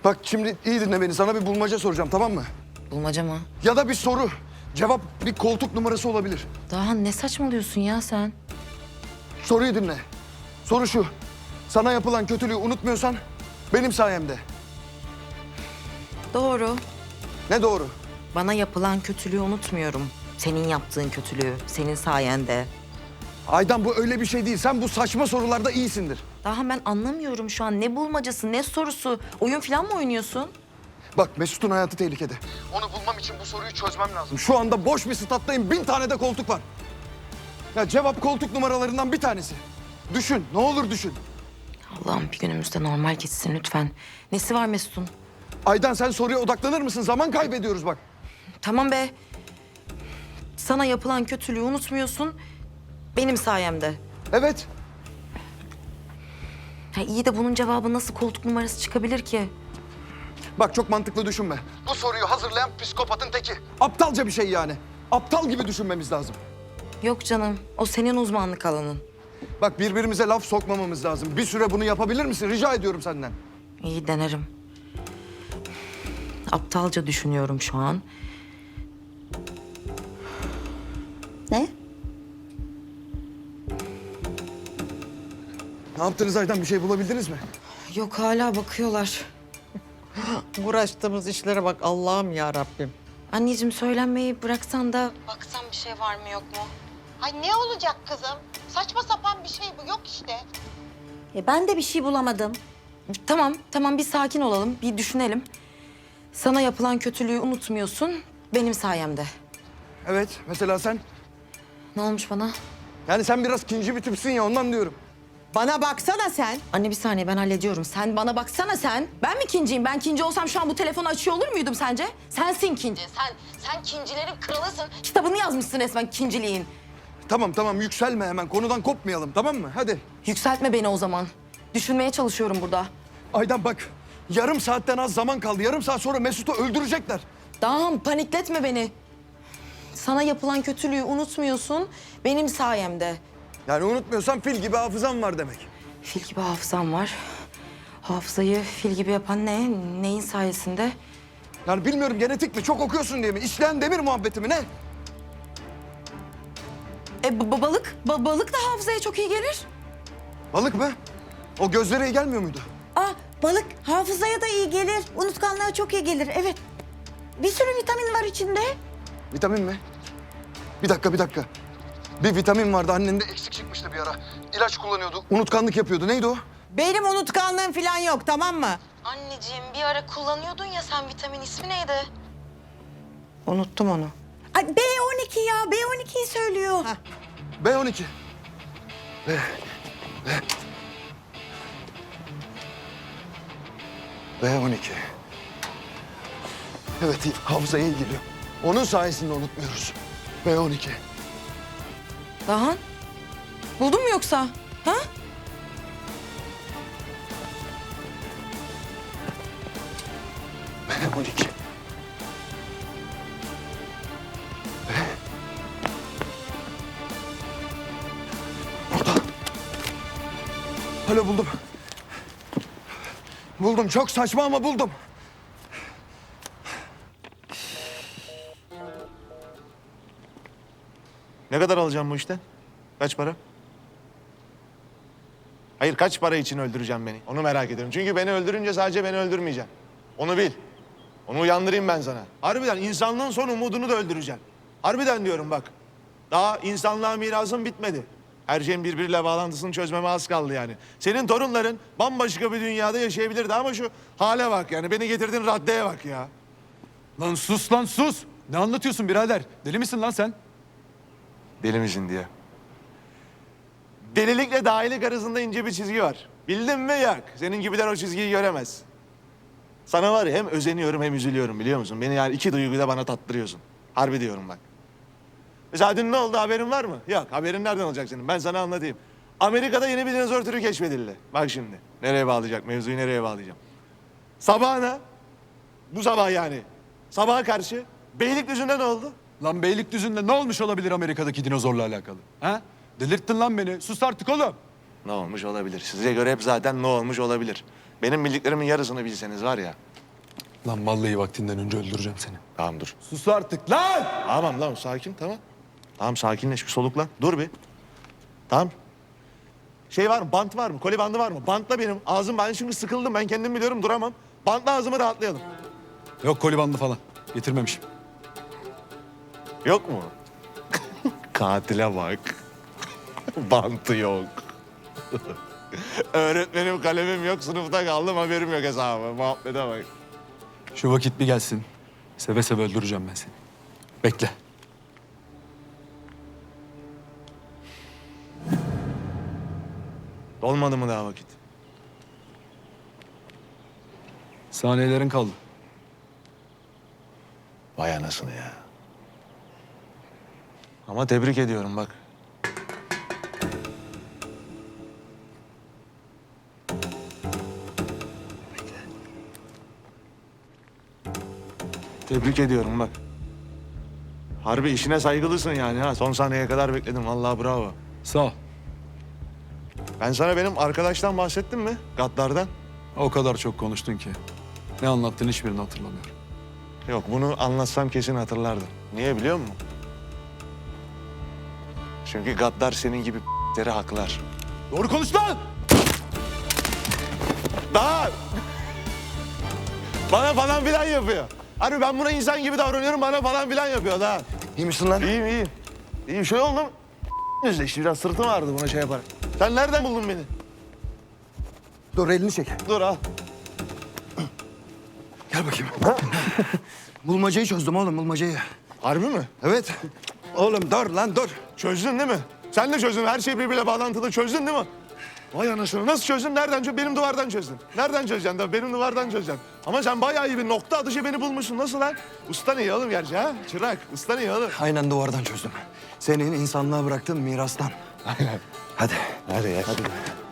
Bak şimdi iyi dinle beni. Sana bir bulmaca soracağım, tamam mı? Bulmaca mı? Ya da bir soru. Cevap bir koltuk numarası olabilir. Daha ne saçmalıyorsun ya sen? Soruyu dinle. Soru şu. Sana yapılan kötülüğü unutmuyorsan benim sayemde. Doğru. Ne doğru? Bana yapılan kötülüğü unutmuyorum. Senin yaptığın kötülüğü, senin sayende. Aydan bu öyle bir şey değil. Sen bu saçma sorularda iyisindir. Daha ben anlamıyorum şu an. Ne bulmacası, ne sorusu? Oyun falan mı oynuyorsun? Bak Mesut'un hayatı tehlikede. Onu bulmam için bu soruyu çözmem lazım. Şu anda boş bir stat'tayım. 1000 tane de koltuk var. Ya cevap koltuk numaralarından bir tanesi. Düşün, ne olur düşün. Allah'ım bir günümüzde normal geçsin lütfen. Nesi var Mesut'un? Aydan sen soruya odaklanır mısın? Zaman kaybediyoruz bak. Tamam be. Sana yapılan kötülüğü unutmuyorsun. Benim sayemde. Evet. Ha, iyi de bunun cevabı nasıl koltuk numarası çıkabilir ki? Bak çok mantıklı düşünme. Bu soruyu hazırlayan psikopatın teki. Aptalca bir şey yani. Aptal gibi düşünmemiz lazım. Yok canım, o senin uzmanlık alanın. Bak birbirimize laf sokmamamız lazım. Bir süre bunu yapabilir misin? Rica ediyorum senden. İyi denerim. Aptalca düşünüyorum şu an. Ne? Ne yaptınız Aydan? Bir şey bulabildiniz mi? Yok hala bakıyorlar. Uğraştığımız işlere bak Allah'ım ya Rabbim. Anneciğim söylenmeyi bıraksan da... Baksan bir şey var mı yok mu? Ay ne olacak kızım? Saçma sapan bir şey bu, yok işte. Ben de bir şey bulamadım. Tamam bir sakin olalım, bir düşünelim. Sana yapılan kötülüğü unutmuyorsun, benim sayemde. Evet. Mesela sen? Ne olmuş bana? Yani sen biraz kinci bir tipsin ya ondan diyorum. Bana baksana sen. Anne bir saniye ben hallediyorum. Sen bana baksana sen. Ben mi kinciyim? Ben kinci olsam şu an bu telefonu açıyor olur muydum sence? Sensin kinci. Sen kincilerin kralısın. Kitabını yazmışsın resmen kinciliğin. Tamam yükselme hemen. Konudan kopmayalım tamam mı? Hadi. Yükseltme beni o zaman. Düşünmeye çalışıyorum burada. Aydan bak. Yarım saatten az zaman kaldı. Yarım saat sonra Mesut'u öldürecekler. Tamam panikletme beni. Sana yapılan kötülüğü unutmuyorsun benim sayemde. Yani unutmuyorsan fil gibi hafızan var demek. Fil gibi hafızam var. Hafızayı fil gibi yapan ne? Neyin sayesinde? Yani bilmiyorum genetik mi? Çok okuyorsun diye mi? İşleyen demir muhabbeti mi ne? Balık da hafızaya çok iyi gelir. Balık mı? O gözlere iyi gelmiyor muydu? Balık hafızaya da iyi gelir. Unutkanlığa çok iyi gelir. Evet. Bir sürü vitamin var içinde. Vitamin mi? Bir dakika. Bir vitamin vardı annende eksik çıkmıştı bir ara. İlaç kullanıyordu. Unutkanlık yapıyordu. Neydi o? Benim unutkanlığım falan yok, tamam mı? Anneciğim bir ara kullanıyordun ya sen vitamin ismi neydi? Unuttum onu. Ay, B12 ya. B12'yi söylüyor. B12. B12. Evet hafızaya iyi geliyor. Onun sayesinde unutmuyoruz. B12. Dahan? Buldun mu yoksa? Ha? B12. Burada. Alo buldum. Buldum. Çok saçma ama buldum. Ne kadar alacağım bu işten? Kaç para? Hayır kaç para için öldüreceğim beni? Onu merak ediyorum. Çünkü beni öldürünce sadece beni öldürmeyeceksin. Onu bil. Onu uyandırayım ben sana. Harbiden insanlığın son umudunu da öldüreceğim. Harbiden diyorum bak. Daha insanlığa mirasım bitmedi. Her şeyin birbiriyle bağlantısını çözmeme az kaldı yani. Senin torunların bambaşka bir dünyada yaşayabilirdi ama şu hale bak yani. Beni getirdiğin raddeye bak ya. Lan sus lan sus. Ne anlatıyorsun birader? Deli misin lan sen? Deli misin diye. Delilikle dahilik arasında ince bir çizgi var. Bildin mi yak? Senin gibiler o çizgiyi göremez. Sana var ya hem özeniyorum hem üzülüyorum biliyor musun? Beni yani iki duyguyu da bana tattırıyorsun. Harbi diyorum bak. Mesela dün ne oldu haberin var mı? Yok haberin nereden olacak senin? Ben sana anlatayım. Amerika'da yeni bir dinozor türü keşfedildi. Bak şimdi nereye bağlayacak mevzuyu nereye bağlayacağım. Sabahına bu sabah yani sabaha karşı Beylikdüzü'nde ne oldu? Lan Beylikdüzü'nde ne olmuş olabilir Amerika'daki dinozorla alakalı? Ha? Delirttin lan beni. Sus artık oğlum. Ne olmuş olabilir? Size göre hep zaten ne olmuş olabilir. Benim bildiklerimin yarısını bilseniz var ya Lan vallahi vaktinden önce öldüreceğim seni. Tamam dur. Sus artık lan! Tamam lan sakin tamam. Tamam sakinleş bir soluklan. Dur bir. Tamam. Şey var mı? Bant var mı? Koli bandı var mı? Bantla benim. Ağzım ben şimdi sıkıldım. Ben kendim biliyorum duramam. Bantla ağzımı rahatlayalım. Yok koli bandı falan. Getirmemişim. Yok mu? Katile bak. Bantı yok. Öğretmenim kalemim yok. Sınıfta kaldım haberim yok hesabı. Muhabbete bak. Şu vakit bir gelsin. Seve seve öldüreceğim ben seni. Bekle. Dolmadı mı daha vakit? Saniyelerin kaldı. Vay anasını ya. Ama tebrik ediyorum bak. Tebrik ediyorum bak. Harbi işine saygılısın yani ha. Son saniyeye kadar bekledim. Vallahi bravo. Sağ ol. Ben sana benim arkadaştan bahsettim mi? Gaddar'dan. O kadar çok konuştun ki. Ne anlattığını hiçbirini hatırlamıyorum. Yok bunu anlatsam kesin hatırlardın. Niye biliyor musun? Çünkü Gaddar senin gibi p***leri haklar. Doğru konuş lan! Daha bana falan filan yapıyor. Hani ben buna insan gibi davranıyorum bana falan filan yapıyor daha. İyi misin lan? İyiyim iyiyim. İyiyim şey oldum. Yüzleşti biraz sırtım ağrıdı buna şey yapar. Sen nereden buldun beni? Dur elini çek. Dur al. Gel bakayım. Bulmacayı çözdüm oğlum bulmacayı. Harbi mi? Evet. Oğlum dur lan dur. Çözdün değil mi? Sen de çözdün. Her şey birbiriyle bağlantılı. Çözdün değil mi? Vay anasını. Nasıl çözdün? Nereden çözdün? Benim duvardan çözdün. Nereden çözeceksin? Tabii benim duvardan çözeceksin. Ama sen bayağı iyi bir nokta atışı beni bulmuşsun. Nasıl lan? Ustan iyi oğlum gerçi ha? Çırak. Ustan iyi oğlum. Aynen duvardan çözdüm. Senin insanlığa bıraktığın mirastan. Aynen. Hadi. Hadi ya. Hadi.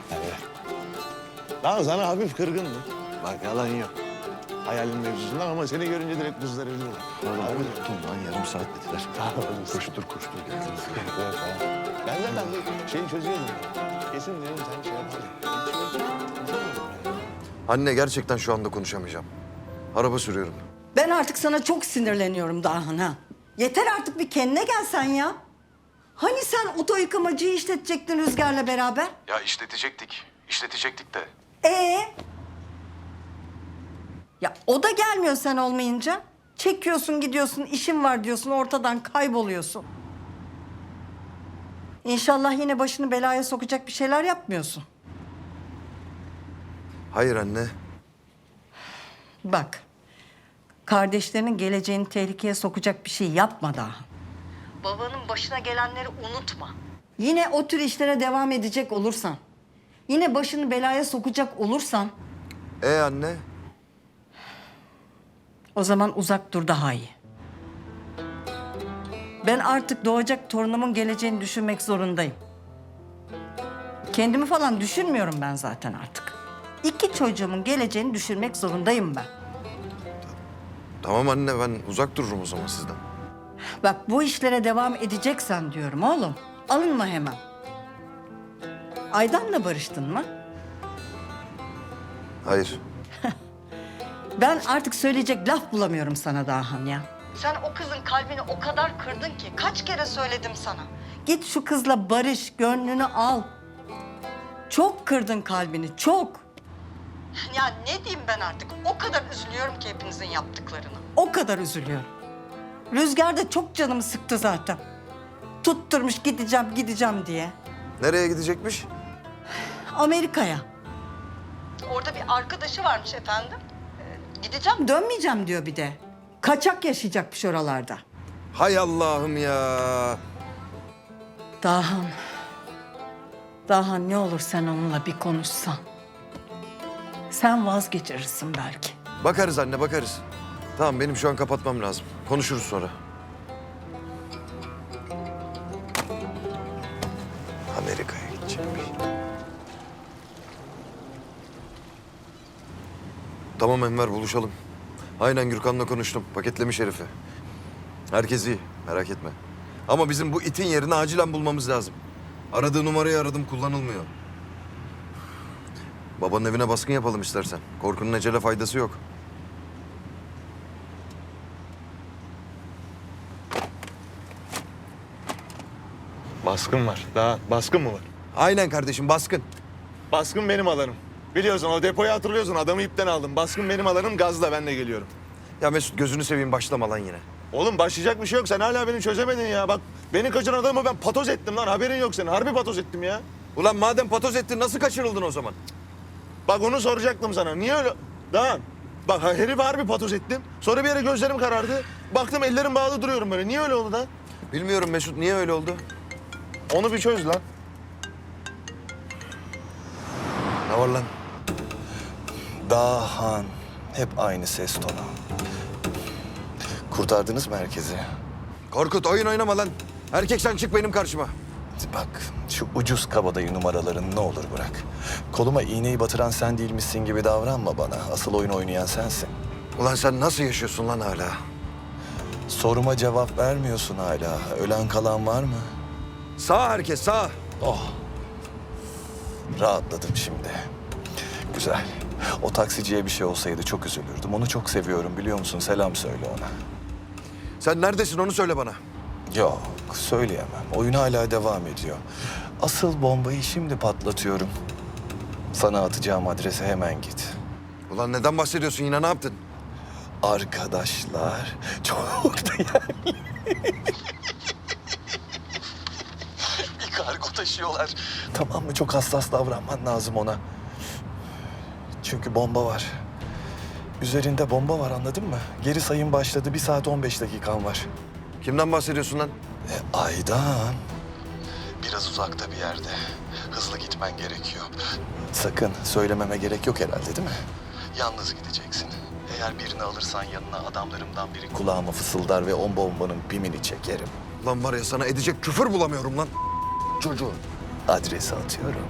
Lan sana hafif kırgındı. Bak yalan yok. Hayalin mevzusundan ama seni görünce direkt buzlar eriyorlar. Harbi diyorum. Dur lan yarım saat dediler. Koştur koştur geldiniz. Evet, tamam. Ben zaten bu şeyi çözüyordum. Kesin diyorum sen şey yapardın. Anne gerçekten şu anda konuşamayacağım. Araba sürüyorum. Ben artık sana çok sinirleniyorum Dahan ha. Yeter artık bir kendine gelsen ya. Hani sen oto yıkamacıyı işletecektin Rüzgar'la beraber? Ya işletecektik. İşletecektik de. Ee? Ya o da gelmiyor sen olmayınca. Çekiyorsun gidiyorsun, işin var diyorsun, ortadan kayboluyorsun. İnşallah yine başını belaya sokacak bir şeyler yapmıyorsun. Hayır anne. Bak, kardeşlerinin geleceğini tehlikeye sokacak bir şey yapma daha. Babanın başına gelenleri unutma. Yine o tür işlere devam edecek olursan, yine başını belaya sokacak olursan, Anne? o zaman uzak dur daha iyi. Ben artık doğacak torunumun geleceğini düşünmek zorundayım. Kendimi falan düşünmüyorum ben zaten artık. 2 çocuğumun geleceğini düşünmek zorundayım ben. Tamam anne ben uzak dururum o zaman sizden. Bak bu işlere devam edeceksen diyorum oğlum. Alınma hemen. Aydan'la barıştın mı? Hayır. Ben artık söyleyecek laf bulamıyorum sana Dahan ya. Sen o kızın kalbini o kadar kırdın ki kaç kere söyledim sana. Git şu kızla barış, gönlünü al. Çok kırdın kalbini, çok. Ya ne diyeyim ben artık? O kadar üzülüyorum ki hepinizin yaptıklarını. O kadar üzülüyorum. Rüzgar da çok canımı sıktı zaten. Tutturmuş gideceğim diye. Nereye gidecekmiş? Amerika'ya. Orada bir arkadaşı varmış efendim. Gideceğim, dönmeyeceğim diyor bir de. Kaçak yaşayacakmış oralarda. Hay Allah'ım ya. Dahan. Dahan ne olur sen onunla bir konuşsan. Sen vazgeçirirsin belki. Bakarız anne bakarız. Tamam benim şu an kapatmam lazım. Konuşuruz sonra. Amerika'ya gidecekmiş. Tamam Enver buluşalım. Aynen Gürkan'la konuştum. Paketlemiş herifi. Herkes iyi merak etme. Ama bizim bu itin yerini acilen bulmamız lazım. Aradığı numarayı aradım kullanılmıyor. Babanın evine baskın yapalım istersen. Korkunun ecele faydası yok. Baskın var. Daha baskın mı var? Aynen kardeşim, baskın. Baskın benim alanım. Biliyorsun o depoyu hatırlıyorsun. Adamı ipten aldım. Baskın benim alanım. Gazla ben de geliyorum. Ya Mesut, gözünü seveyim, başlama lan yine. Oğlum başlayacak bir şey yok. Sen hala beni çözemedin ya. Bak beni kaçıran adamı ben patoz ettim lan. Haberin yok senin. Harbi patoz ettim ya. Ulan madem patoz ettin, nasıl kaçırıldın o zaman? Bak onu soracaktım sana. Niye öyle? Daha bak herif harbi patoz ettim. Sonra bir yere gözlerim karardı. Baktım ellerim bağlı duruyorum böyle. Niye öyle oldu da? Bilmiyorum Mesut, niye öyle oldu? Onu bir çöz lan. Ne var lan? Dahan. Hep aynı ses tonu. Kurtardınız mı herkesi? Korkut, oyun oynama lan. Erkek sen çık benim karşıma. Bak şu ucuz kabadayı numaralarını ne olur bırak. Koluma iğneyi batıran sen değilmişsin gibi davranma bana. Asıl oyun oynayan sensin. Ulan sen nasıl yaşıyorsun lan hala? Soruma cevap vermiyorsun hala. Ölen kalan var mı? Sağ herkes, sağ. Oh. Rahatladım şimdi. Güzel. O taksiciye bir şey olsaydı çok üzülürdüm. Onu çok seviyorum biliyor musun? Selam söyle ona. Sen neredesin, onu söyle bana. Yok, söyleyemem. Oyun hala devam ediyor. Asıl bombayı şimdi patlatıyorum. Sana atacağım adrese hemen git. Ulan neden bahsediyorsun, yine ne yaptın? Arkadaşlar çok değerli. Bir kargo taşıyorlar. Tamam mı? Çok hassas davranman lazım ona. Çünkü bomba var. Üzerinde bomba var, anladın mı? Geri sayım başladı. 1 saat 15 dakikan var. Kimden bahsediyorsun lan? Aydan. Biraz uzakta bir yerde. Hızlı gitmen gerekiyor. Sakın söylememe gerek yok herhalde, değil mi? Yalnız gideceksin. Eğer birini alırsan yanına adamlarımdan biri kulağıma fısıldar ve o bombanın pimini çekerim. Lan var ya, sana edecek küfür bulamıyorum lan. Çocuğu. Adresi atıyorum.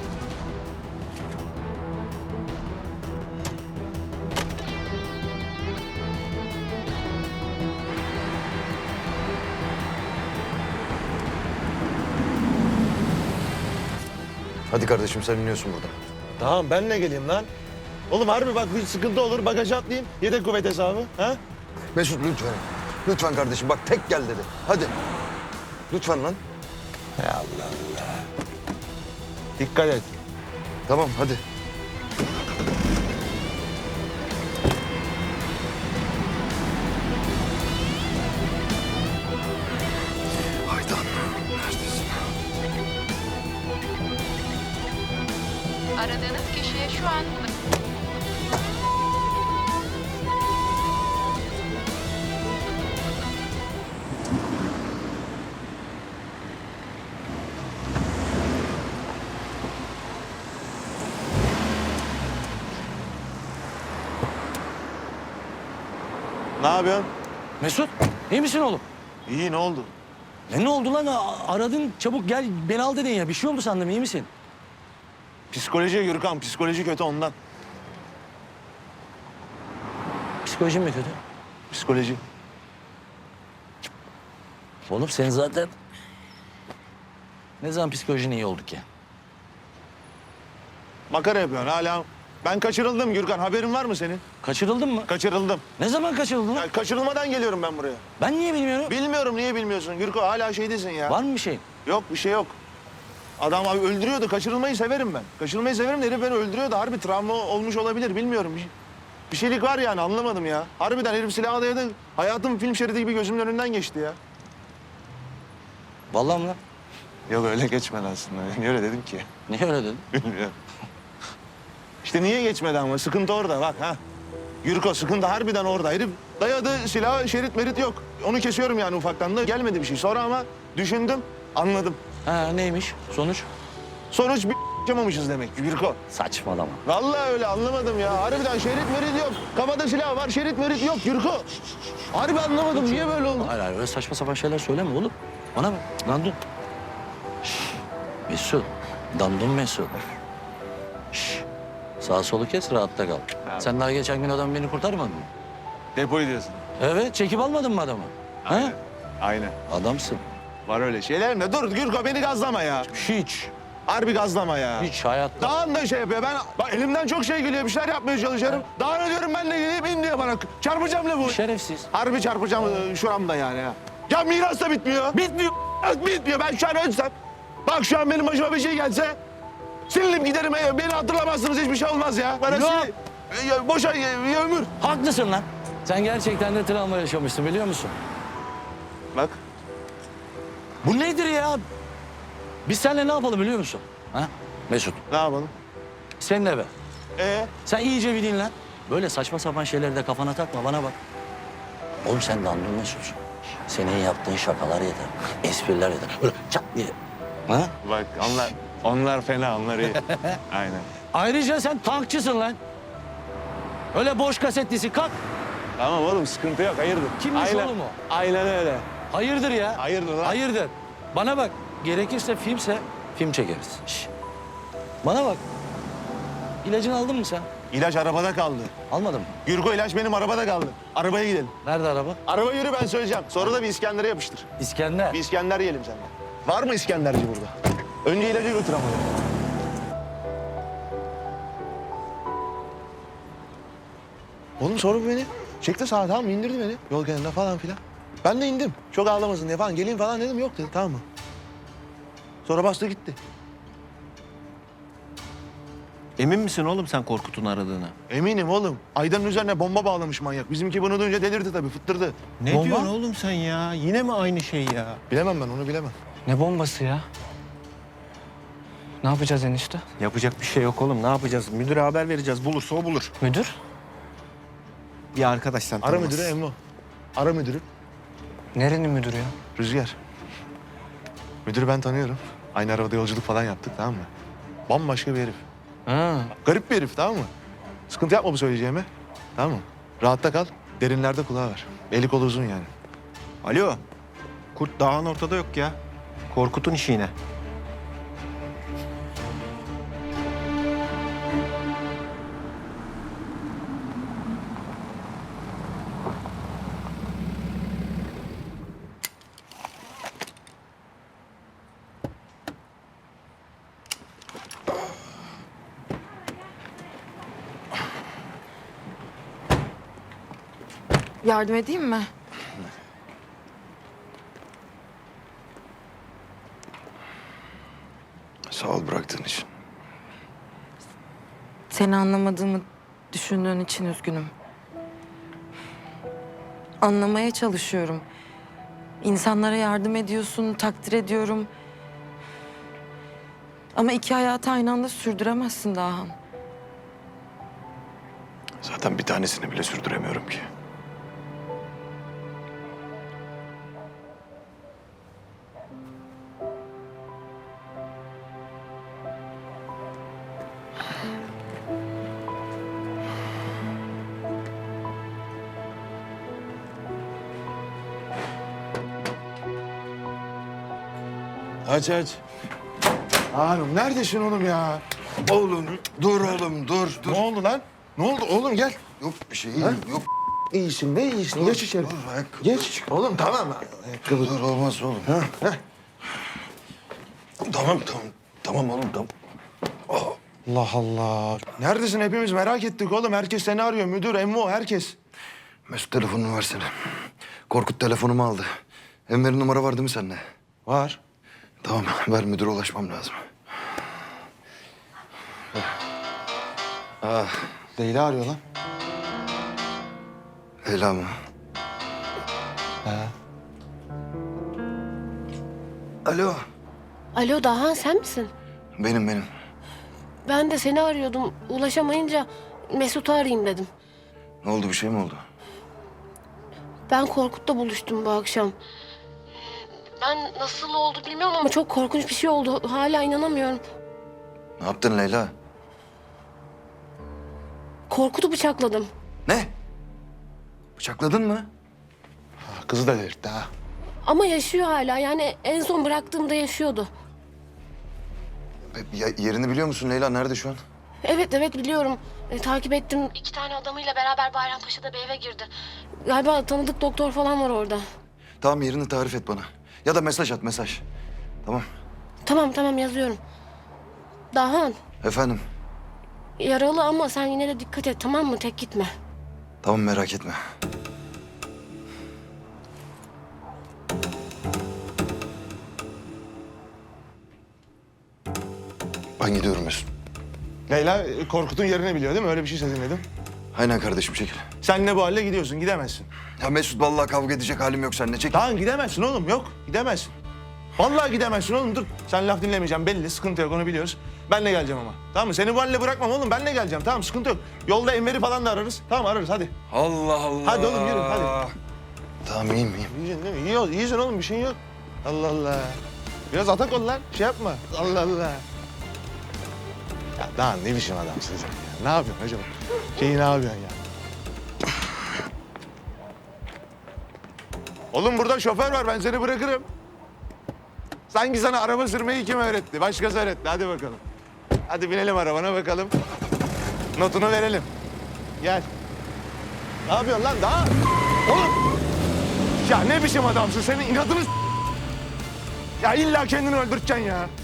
Hadi kardeşim, sen iniyorsun buradan. Tamam ben ne geleyim lan? Oğlum harbi bak bir sıkıntı olur bagaja atlayayım. Yedek kuvvet hesabı. Ha? Mesut lütfen. Lütfen kardeşim, bak tek gel dedi. Hadi. Lütfen lan. Ya Allah Allah. Dikkat et. Tamam, hadi. Aydan, neredesin? Aradığınız kişiye şu an Ne yapıyorsun? Mesut, iyi misin oğlum? İyi ne oldu? Ne oldu lan? Aradın, çabuk gel beni al dedin ya. Bir şey oldu sandım, iyi misin? Psikoloji Gürkan, psikoloji kötü ondan. Psikolojin mi kötü? Psikoloji. Oğlum sen zaten... Ne zaman psikolojin iyi oldu ki? Makara yapıyorsun hala. Ben kaçırıldım Gürkan, haberin var mı senin? Kaçırıldın mı? Kaçırıldım. Ne zaman kaçırıldın lan? Ya, kaçırılmadan geliyorum ben buraya. Ben niye bilmiyorum? Bilmiyorum niye bilmiyorsun Gürkan, hala şeydesin ya. Var mı bir şey? Yok bir şey yok. Adam abi öldürüyordu, kaçırılmayı severim ben. Kaçırılmayı severim de herif beni öldürüyordu. Harbi travma olmuş olabilir, bilmiyorum. Bir şeylik var yani, anlamadım ya. Harbiden herif silahı dayadı. Hayatım film şeridi gibi gözümün önünden geçti ya. Vallahi mi lan? Yok öyle geçmedi aslında. Niye öyle dedim ki? Niye öyle dedin? Bilmiyorum. İşte niye geçmedi ama? Sıkıntı orada bak ha. Yurko sıkıntı harbiden orada. Herif dayadı silahı, şerit merit yok. Onu kesiyorum yani ufaktan da. Gelmedi bir şey. Sonra ama düşündüm, anladım. Ha neymiş? Sonuç? Sonuç bir yapamamışız demek Yurko. Saçmalama. Vallahi öyle anlamadım ya. Harbiden şerit merit yok. Kafada silah var, şerit merit yok Yurko. Harbi anlamadım. Niye böyle oldu? Hayır hayır öyle saçma sapan şeyler söyleme oğlum. Bana bak. Dandun. Şş, Mesut. Dandun Mesut. Şş. Sağ solu kes rahatta kal. Sen daha geçen gün adam beni kurtarmadın mı? Depoyu diyorsun. Evet çekip almadın mı adamı? Ha? Aynen. Adamsın. Var öyle şeyler mi? Dur Gürko beni gazlama ya. Hiç. Harbi gazlama ya. Hiç hayatta. Dağın da şey yapıyor. Ben bak elimden çok şey geliyor. Bir şeyler yapmaya çalışıyorum. Dağın diyorum ben de geleyim in diyor bana. Çarpacağım la bu. Şerefsiz. Harbi çarpacağım şuramda yani ya. Ya miras da bitmiyor. Bitmiyor. Bitmiyor. Ben şu an ölsem. Bak şu an benim başıma bir şey gelse. Silinim giderim. Beni hatırlamazsınız. Hiçbir şey olmaz ya. Bana Yok. Boşa ömür. Haklısın lan. Sen gerçekten de travma yaşamışsın biliyor musun? Bak. Bu nedir ya? Biz seninle ne yapalım biliyor musun? Ha? Mesut, Ne yapalım? senin eve. Sen iyice bir dinlen. Böyle saçma sapan şeyleri de kafana takma, bana bak. Oğlum sen dandun Mesut'sun. Senin yaptığın şakalar yeter, espriler yeter. Böyle çat diye. Ha? Bak onlar fena. Onlar iyi. Aynen. Ayrıca sen tankçısın lan. Öyle boş kasetlisi kalk. Tamam oğlum sıkıntı yok. Hayırdır? Kimmiş Aynen. oğlum o? Aynen öyle. Hayırdır ya? Hayırdır lan? Hayırdır. Bana bak, gerekirse filmse film çekeriz. Şş. Bana bak. İlacını aldın mı sen? İlaç arabada kaldı. Almadın mı? Gürko ilaç benim arabada kaldı. Arabaya gidelim. Nerede araba? Araba yürü ben söyleyeceğim. Sonra da bir İskender'e yapıştır. İskender. Bir İskender yiyelim seninle. Var mı İskenderci burada? Önce ilacı götür ama. Oğlum sorma beni. Çekti sağa tamam mı? İndirdi beni. Yol kenarında falan filan. Ben de indim. Çok ağlamasın diye falan. Geleyim falan dedim. Yok dedi tamam mı? Sonra bastı gitti. Emin misin oğlum sen Korkut'un aradığına? Eminim oğlum. Aydan'ın üzerine bomba bağlamış manyak. Bizimki bunu duyunca delirdi tabii, fıttırdı. Ne Bomba? diyorsun oğlum sen ya? Yine mi aynı şey ya? Bilemem ben, onu bilemem. Ne bombası ya? Ne yapacağız enişte? Yapacak bir şey yok oğlum. Ne yapacağız? Müdüre haber vereceğiz. Bulursa o bulur. Müdür? Bir arkadaş sen Ara tanımazsın. müdürü Emmo. Ara müdürü. Nerenin müdürü ya? Rüzgar. Müdürü ben tanıyorum. Aynı arabada yolculuk falan yaptık tamam mı? Bambaşka bir herif. Ha. Garip bir herif tamam mı? Sıkıntı yapma bu söyleyeceğime. Tamam mı? Rahatta kal. Derinlerde kulağı var. Eli kolu uzun yani. Alo. Kurt dağın ortada yok ya. Korkut'un işi yine. Yardım edeyim mi? Sağ ol bıraktığın için. Seni anlamadığımı düşündüğün için üzgünüm. Anlamaya çalışıyorum. İnsanlara yardım ediyorsun, takdir ediyorum. Ama iki hayatı aynı anda sürdüremezsin Dahan. Zaten bir tanesini bile sürdüremiyorum ki. Aç. Oğlum neredesin oğlum ya? Oğlum dur oğlum dur. Ne oldu lan? Ne oldu oğlum gel. Yok bir şey yok. İyisin ne iyisin? Geç içeri. Dur, ayakkabı. Geç. Oğlum tamam. Dur olmaz oğlum. Tamam oğlum tamam. Allah Allah. Neredesin hepimiz merak ettik oğlum. Herkes seni arıyor. Müdür, Emmo, herkes. Mesut telefonunu versene. Korkut telefonumu aldı. Enver'in numara var değil mi sende? Var. Tamam ver, müdüre ulaşmam lazım. Leyla arıyor lan. Leyla mı? Alo. Alo Dahan sen misin? Benim. Ben de seni arıyordum. Ulaşamayınca Mesut'u arayayım dedim. Ne oldu, bir şey mi oldu? Ben Korkut'la buluştum bu akşam. Ben nasıl oldu bilmiyorum ama çok korkunç bir şey oldu. Hala inanamıyorum. Ne yaptın Leyla? Korkut'u bıçakladım. Ne? Bıçakladın mı? Kızı da delirtti ha. Ama yaşıyor hala. Yani en son bıraktığımda yaşıyordu. Yerini biliyor musun Leyla? Nerede şu an? Evet biliyorum. Takip ettim. 2 tane adamıyla beraber Bayrampaşa'da bir eve girdi. Galiba tanıdık doktor falan var orada. Tamam, yerini tarif et bana. Ya da mesaj at, mesaj. Tamam. Tamam yazıyorum. Dahan Efendim? yaralı ama sen yine de dikkat et tamam mı? Tek gitme. Tamam, merak etme. Ben gidiyorum Mesut. Leyla Korkut'un yerini biliyor değil mi? Öyle bir şey sezinledim. Aynen kardeşim çekil. Sen ne bu halle gidiyorsun? Gidemezsin. Ya Mesut vallahi kavga edecek halim yok seninle. Çekil. Tamam gidemezsin oğlum. Yok gidemezsin. Vallahi gidemezsin oğlum. Dur. Sen laf dinlemeyeceğim belli. Sıkıntı yok onu biliyoruz. Ben de geleceğim ama. Tamam mı? Seni bu halle bırakmam oğlum. Ben de geleceğim. Tamam sıkıntı yok. Yolda Enver'i falan da ararız. Tamam ararız hadi. Allah Allah. Hadi oğlum yürü hadi. Tamam iyiyim. İyisin değil mi? İyi, iyisin oğlum bir şeyin yok. Allah Allah. Biraz atak ol lan. Şey yapma. Allah Allah. Ya daha ne biçim adamsın sen ya? Ne yapıyorsun acaba? Ne yapıyorsun ya? Oğlum burada şoför var. Ben seni bırakırım. Sanki sana araba sürmeyi kim öğretti? Başkası öğretti. Hadi bakalım. Hadi binelim arabana bakalım. Notunu verelim. Gel. Ne yapıyorsun lan daha? Oğlum. Ya ne biçim adamsın? Senin inadını... Ya illa kendini öldüreceksin ya.